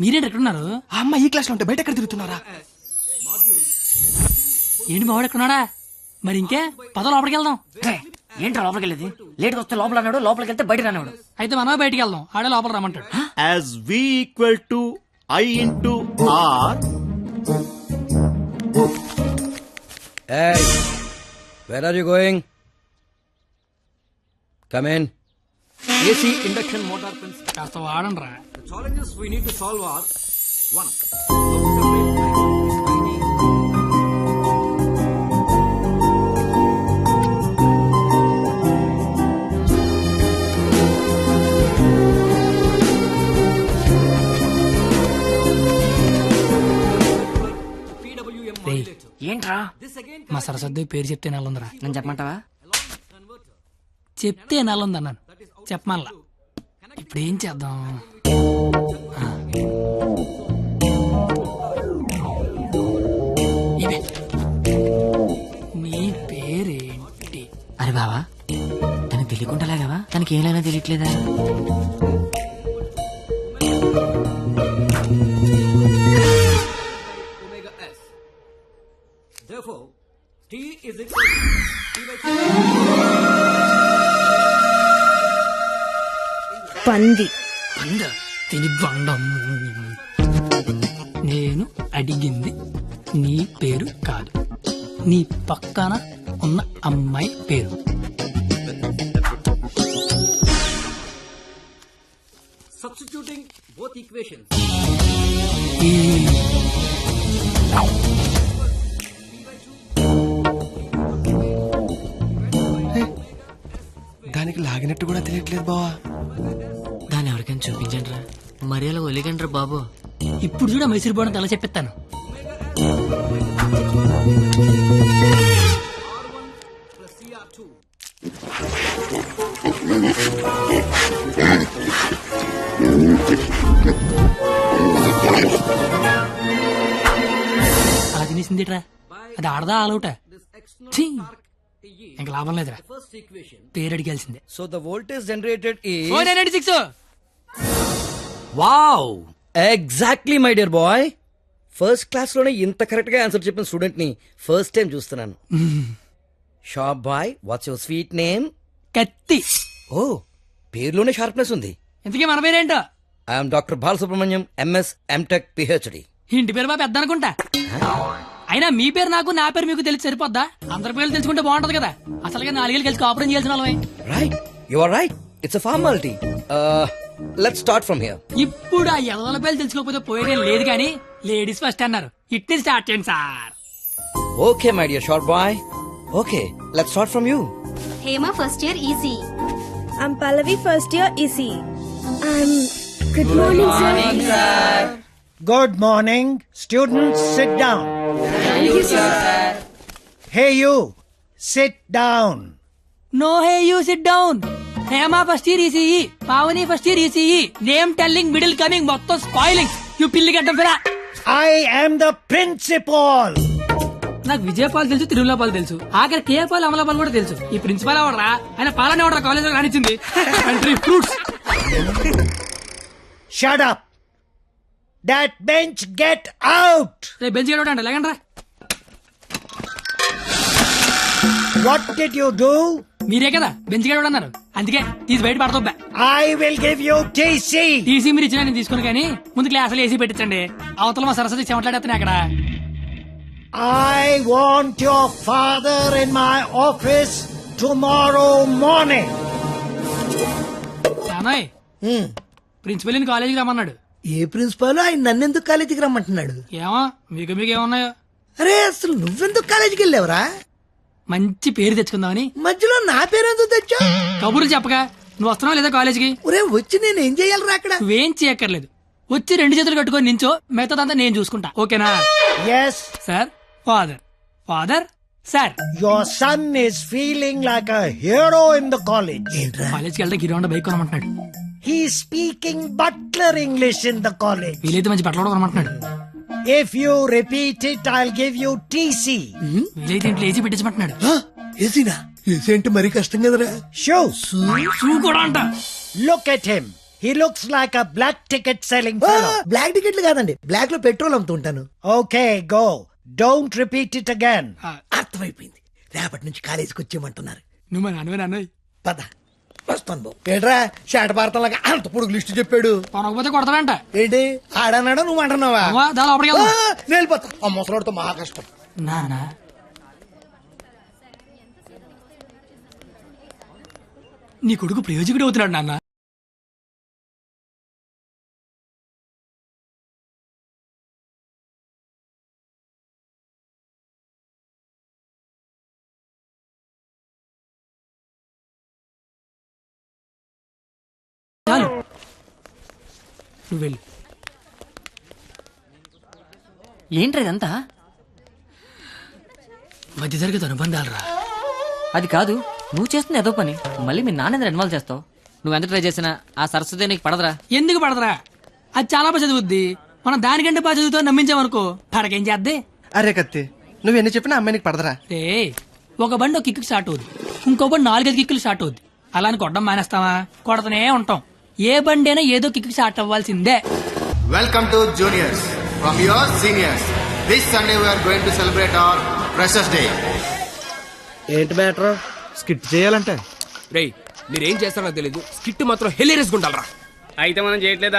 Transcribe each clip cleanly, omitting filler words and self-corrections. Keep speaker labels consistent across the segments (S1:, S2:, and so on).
S1: మీరేంటి ఎక్కడున్నారు?
S2: ఆ అమ్మ ఈ క్లాస్ లో ఉంటే బయట ఎక్కడ తిరుగుతున్నారా?
S1: ఏంటి మావాడు ఎక్కడున్నాడా? మరి ఇంకే పద లోపలికి వెళ్దాం.
S3: ఏంట్రా లోపలికి వెళ్ళేది? లేట్గా వస్తే లోపల అన్నాడు, లోపలికి వెళ్తే బయట రానివాడు.
S1: అయితే మనమే బయటికి వెళ్దాం, ఆడే లోపల రమ్మంటాడు.
S4: As V equal to I into R.
S5: Hey, where are you going? Come in. AC induction motor principle.
S1: కాస్త వాడండి రా.
S5: The challenges we need to solve are 1.
S3: ఏంట్రా?
S1: మా సరస్వతి పేరు చెప్తే నెలందిరా.
S3: నేను చెప్పమంటావా?
S1: చెప్తే నెలంది అన్నాను, చెప్పమల్లా. ఇప్పుడు ఏం చేద్దాం? ఇదే. నీ పేరేంటి?
S3: అరే బావా, తనకి తెలియకుండా లాగావా? తనకి ఏమైనా తెలియట్లేదా?
S5: Therefore, T is equal to
S6: పంది.
S1: తిని బండం. నేను అడిగింది నీ పేరు కాదు, నీ పక్కన ఉన్న అమ్మాయి పేరు.
S5: substituting both equations.
S2: దానికి లాగినట్టు కూడా తెలియట్లేదు బావా.
S3: దాన్ని ఎవరికైనా చూపించండి రా, మరి అలా ఒలిగండ్రా బాబు.
S1: ఇప్పుడు చూడ మైసూర్ బోర్డు తల చెప్పిస్తాను. అలా తినేసిందిట్రా, అది ఆడదా ఆలౌట? ఇంకా లాభం లేదురా, పేరు అడిగాల్సిందే.
S5: So the voltage generated is
S1: 496.
S5: wow, exactly my dear boy. First class లోనే ఇంత కరెక్ట్ గా ఆన్సర్ చెప్పిన స్టూడెంట్ ని ఫస్ట్ టైం చూస్తున్నాను. Sharp boy, what's your sweet name?
S1: కత్తి.
S5: ఓ, పేరులోనే షార్ప్నెస్ ఉంది.
S1: ఇంతకీ మన పేరేంటో?
S5: I'm doctor Balasubrahmanyam, MS, MTech, PhD.
S1: ఇంటి పేరు బాబు పెద్ద అనుకుంటా. అయినా మీ పేరు నాకు, నా పేరు మీకు తెలిసి సరిపోద్దా? అందరి పేర్లు తెలుసుకుంటే బాగుంటది కదా. అసలుగా 4 ఏళ్ళు కలిసి కాపురం చేయాల్సిన వాళ్ళమే.
S5: Right, you are right, it's a formality. Let's start from here.
S1: ఇప్పుడు ఆ ఎదల పేర్లు తెలుసుకోకపోతే పోయేదేం లేదు కానీ లేడీస్ ఫస్ట్ అన్నారు, ఇట్ని స్టార్ట్ చేయండి sir.
S5: Okay my dear short boy, okay let's start from you.
S7: Hema first year EC.
S6: I'm Pallavi first year EC. Good morning, sir.
S8: Good morning. Students, sit down.
S6: Thank you, sir.
S8: Hey, you. Sit down.
S1: No hey you sit down. Hema first year ECE, Pavani first year ECE, name telling, middle coming, మొత్తం spoiling. You పిల్లి గడ్డం ఫిరా.
S8: I am the principal.
S1: నాకు విజయపాల్ తెలుసు, తిరుమలపాల్ తెలుసు, ఆఖరి కేపాల్, అమలాపాల్ కూడా తెలుసు. ఈ ప్రిన్సిపాల్ ఎవడరా? ఆయన పాలన ఎవడరా కాలేజ్ లో రానిచ్చింది? Country fruits.
S8: Shut up. That bench, get out.
S1: రేపు బెంచ్ గడవడండి, లేకండి రా.
S8: What did you do?
S1: మీరే కదా బెంచ్ గడవడం అన్నారు, అందుకే తీసి బయట పడతా.
S8: I will give you TC.
S1: TC మీరు ఇచ్చినా నేను తీసుకుని, కానీ ముందు క్లాసులు ఏసీ పెట్టించండి. అవతల మా సరస్వతి చెమట్లాడేస్తున్నాయి అక్కడ.
S8: I want your father in my office tomorrow morning.
S1: నానోయ్, ప్రిన్సిపల్ కాలేజీకి రమ్మన్నాడు.
S9: ఏ ప్రిన్సిపాల్ ఆయన నన్నెందుకు కాలేజీకి రమ్మంటున్నాడు?
S1: ఏమో మీకు ఏమన్నాయో.
S9: అరే అసలు నువ్వెందుకు కాలేజీకి వెళ్ళావురా?
S1: మంచి పేరు తెచ్చుకుందామని.
S9: మధ్యలో నా పేరెందుకు తెచ్చా?
S1: కబుర్లు చెప్పగా నువ్వు వస్తున్నావు లేదా కాలేజీకి?
S9: ఒరే వచ్చి నేను ఏం చెయ్యాలరా అక్కడ?
S1: నువ్వేం చేయక్కర్లేదు, వచ్చి 2 చేతులు కట్టుకొని నించో, మిగతాదంతా నేను చూసుకుంటా, ఓకేనా?
S8: Yes.
S1: Sir, father, father, sir.
S8: Your son is feeling like a hero in the college.
S1: కాలేజ్కి వెళ్తే గిరౌండ్ బైక్ కొనమంటున్నాడు.
S8: He's speaking butler English in the college.
S1: వీలైతే మంచి బట్టలు కొనమంటున్నాడు.
S8: If you repeat it, I'll give you TC.
S1: వీలైతే ఇంట్లో AC పెట్టించమంటున్నాడు.
S9: ఏసీనా? AC అంటే మరీ కష్టం కదరా.
S8: Shoes.
S1: షూ కూడా అంట.
S8: Look at him. He looks like a black ticket selling fellow.
S9: Black టికెట్లు కాదండి, బ్లాక్ లో పెట్రోల్ అమ్ముతుంటాను.
S8: Okay, go. Don't repeat it again.
S9: అర్థమైపోయింది, రేపటి నుంచి కాలేజీకి వచ్చేయమంటున్నారు.
S1: నువ్వు మా నాన్నవే
S9: పద వస్తాను బాబు. ఏంట్రా షాట భారతంలాగా అంత పొడుగు లిస్టు చెప్పాడు.
S1: కొనకపోతే కొడతాడంట.
S9: ఏంటి ఆడన్నాడా నువ్వు అంటున్నావా?
S1: దాని లోపలికి
S9: ఆ,
S1: వెళ్దాం.
S9: నేను వెళ్ళిపోతా. ఆ ముసలాడితో మహా కష్టం.
S1: నానా నీ కొడుకు ప్రయోజకుడు అవుతున్నాడు నాన్న. చాలు నువ్వు వెళ్ళు.
S3: ఏంట్రా ఇదంతా?
S1: మధ్య తరగతి అనుబంధాలు రా.
S3: అది కాదు, నువ్వు చేస్తున్న ఏదో పని మళ్ళీ మీ నాన్న ఇన్వాల్వ్ చేస్తావు. నువ్వెంత ట్రై చేసినా ఆ సరస్వతి నీకు పడదురా.
S1: ఎందుకు పడదరా? అది చాలా బాగా చదువుద్ది. మనం దానికంటే బాగా చదువుతో నమ్మించామనుకో పడకేం చేద్దే.
S2: అరే కత్తి, నువ్వు ఎన్ని చెప్పినా అమ్మాయి నీకు పడదరా?
S1: రే ఒక బండి ఒక కిక్కు స్టార్ట్ అవుద్ది, ఇంకో బండి 4-5 కిక్కులు స్టార్ట్ అవుద్ది. అలా అని కొట్టడం మానేస్తావా? కొడతనే ఉంటాం. ఏ బండి అయినా ఏదో కిక్కు స్టార్ట్ అవ్వాల్సిందే.
S10: Welcome to juniors from your seniors. This Sunday we are going to celebrate our Freshers Day.
S5: ఏంటి మ్యాటర్?
S4: స్కిట్ చేయాలంటే
S11: రేయ్ మీరేం చేస్తారో తెలీదు, స్కిట్ మాత్రం హెలేరియస్ గుంటాలరా. అయితే మనం చేయట్లేదా?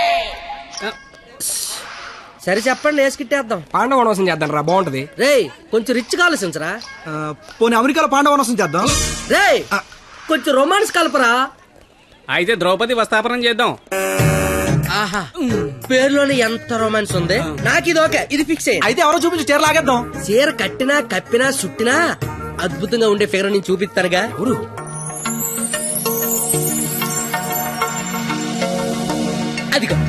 S5: సరే చెప్పండి, ఏ స్కిట్ వేద్దాం?
S11: పాండవ వనవాసం చేద్దాం రా, బాగుంటది.
S5: రేయ్ కొంచెం రిచ్ ఆలోచించరా.
S2: పోనీ అమెరికాలో పాండవనసం చేద్దాం.
S5: రేయ్ కొంచెం రొమాన్స్ కలపరా.
S11: అయితే ద్రౌపది వస్తాపనం చేద్దాం.
S5: ఆహా, పేరులోనే ఎంత రొమాన్స్ ఉంది. నాకు ఇది ఓకే, ఇది ఫిక్స్ అయ్యింది.
S2: అయితే ఎవరో చూపించి చీర లాగేద్దాం.
S5: చీర కట్టినా కప్పినా సుట్టినా అద్భుతంగా ఉండే ఫిగర్ నేను చూపిస్తానుగా. అదిగో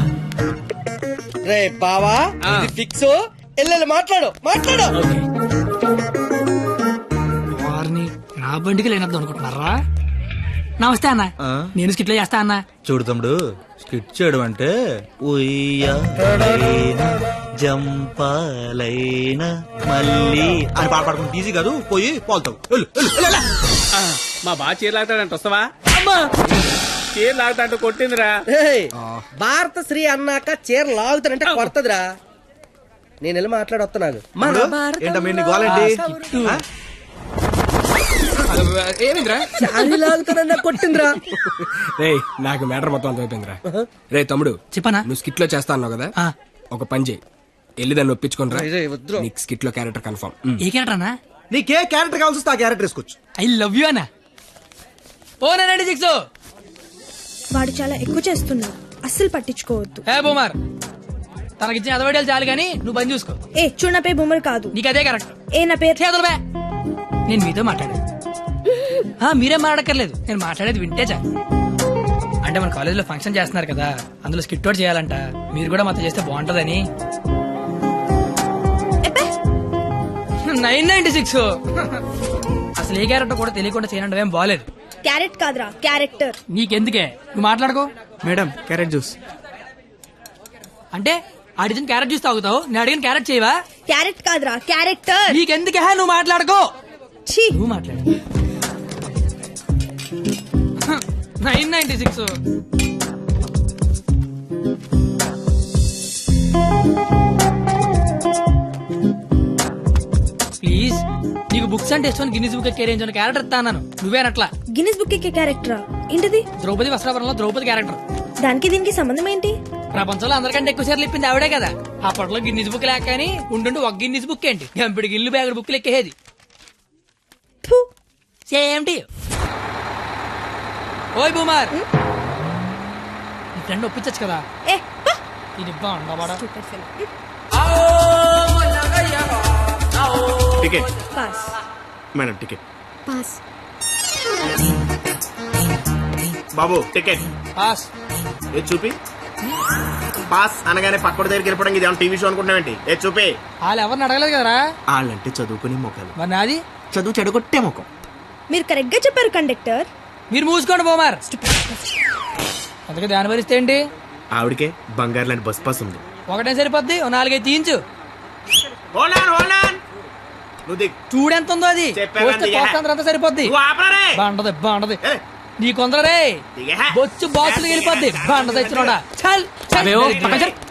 S5: రే బావా, ఇది ఫిక్స్. ఎల్లెల్లి మాట్లాడు మాట్లాడు.
S1: వారిని నా బండికి లేనద్దు అనుకుంటున్నారా? నమస్తే అన్న, నేను స్కిట్లో చేస్తా అన్న.
S4: చూడు తమ్ముడు, స్కిట్ చేయడం అంటే ఉయ్యాలైనా జంపాలైనా మళ్ళీ అని పాట పాడుకుంటే ఈజీ కాదు. పోయి పోల్తావు.
S11: మా బాగా చీర లాగుతాడంట, వస్తావా? చీర లాగుతాంటూ కొట్టిందిరా.
S5: రేయ్, భారత శ్రీ అన్నాక చీర లాగుతానంటే కొడతదిరా. నేను వెళ్ళి మాట్లాడొస్తున్నాను.
S4: ఏంటమ్మా ఇన్ని గోలండి?
S11: ఏమిందిరా?
S5: శారీ లాగుతానన్నా కొట్టిందిరా.
S11: రే నాకు మ్యాటర్ మొత్తం అంత అయిపోయిందిరా. రే తమ్ముడు,
S1: చెప్పనా?
S11: నువ్వు స్కిట్ లో చేస్తా అన్నావు కదా,
S1: ఆ.
S11: ఒక పని చేయి, వెళ్ళి దాన్ని ఒప్పించుకుని
S5: రేయ్, వద్దురా.
S11: నీకు స్కిట్ లో క్యారెక్టర్ కన్ఫర్మ్.
S1: ఏ క్యారెక్టర్ అన్నా?
S2: నీకే క్యారెక్టర్ కావాల్సి వస్తే ఆ క్యారెక్టర్ వేసుకోవచ్చు.
S1: ఐ లవ్ యూ అన్న. ఓ 96
S6: వాడు చాలా ఎక్కువ చేస్తున్నాడు, అస్సలు పట్టించుకోవద్దు.
S1: ఏ బొమ్మర్, తనకిచ్చిన అదవడాలు చాలు కానీ నువ్వు బంద్ చూసుకో.
S6: ఏ చూడు, నా పేరు బొమ్మరు కాదు.
S1: నీకు అదే కరెక్ట్.
S6: ఏ నా పేరు
S1: చేతులు బే. నేను మీతో మాట్లాడేది మీరేం మాట్లాడక్కర్లేదు, నేను మాట్లాడేది వింటే చాలు. అంటే మన కాలేజీలో ఫంక్షన్ చేస్తున్నారు కదా, అందులో స్కిట్ అవుట్ చేయాలంట. మీరు కూడా మాతో చేస్తే బాగుంటదని. 996 అసలు ఏ క్యారెక్టర్ కూడా తెలియకుండా చేయడం ఏం బాలేదు.
S6: క్యారెట్ కాదురా, క్యారెక్టర్.
S1: నీకెందుకే, నువ్వు మాట్లాడుకో.
S2: Madam carrot juice.
S1: అంటే అడిగిన క్యారెట్ జ్యూస్ తాగుతావు, నేను అడిగిన క్యారెట్ చేయవా?
S6: క్యారెట్ కాదురా, క్యారెక్టర్.
S1: నీకెందుకే, నువ్వు మాట్లాడుకో.
S6: ఛీ,
S1: నువ్వు మాట్లాడు. 996 ప్లీజ్. నీకు బుక్స్ అంటే ఇష్టం, గిన్నీస్ బుక్ కెరేంజ్ అని క్యారెక్టర్ ఇస్తాను. నువ్వేనట్లా.
S6: గిన్నిస్ బుక్ ఎక్కే క్యారెక్టరా? ఏంటిది?
S1: ద్రౌపది వస్త్రాభరణంలో ద్రౌపది క్యారెక్టర్.
S6: దానికి దీనికి సంబంధం ఏంటి?
S1: ప్రపంచంలో అందరికంటే ఎక్కువ సార్లు ఇప్పింది ఆవిడే కదా. అప్పట్లో గిన్నీస్ బుక్ లేక కానీ ఉండుండి ఒక గిన్నీస్ బుక్ ఏంటి, గంపిడి గిల్లు బ్యాగుడు బుక్లు ఎక్కేది.
S6: ఫు,
S1: సేమ్ టు యు. ఓయ్ బూమర్, నీ ఫ్రెండ్ ఒప్పించచ్చు కదా.
S6: ఏ పా.
S1: ఇది బాగుండవాడా?
S6: Stupid fellow.
S4: Ticket
S6: pass.
S4: Madam, ticket.
S6: Pass.
S4: బాబు టికెట్.
S1: పాస్.
S4: ఏ చూపి. పాస్ అనగానే పక్కడి దగ్గరికి వెళ్ళిపోవడం ఇది టీవీ షో అనుకుంటున్నావేంటి? ఏ చూపి.
S1: వాళ్ళు ఎవరిని అడగలేదు కదరా.
S4: వాళ్ళంటే చదువుకునే మొక్కలు,
S1: మరి నాది
S4: చదువు చెడగొట్టే మొక్కం.
S6: మీరు కరెక్ట్ గా చెప్పారు కండక్టర్.
S1: మీరు మూసుకోండి బోమార్. అందుకే దాని భరిస్తే ఏంటి?
S4: ఆవిడకే బంగారు లాంటి బస్ పాస్ ఉంది.
S1: ఒకటే సరిపోద్ది, ఓ 4-5 తీయించు.
S4: నువ్వు దిగు.
S1: చూడెంత ఉందో అది.
S4: చెప్పాను
S1: పోస్తే
S4: అందుకే.
S1: పోస్తంతా అంతా సరిపోద్ది.
S4: నువ్వు ఆపరా రే.
S1: బాగుంటది బాగుంటది. నీ కొందరే
S4: దిగే.
S1: బొచ్చు బాక్సులు వెళ్ళిపోద్ది బండ తెచ్చినోడా చల్
S3: అవేవో పక్కన జరు.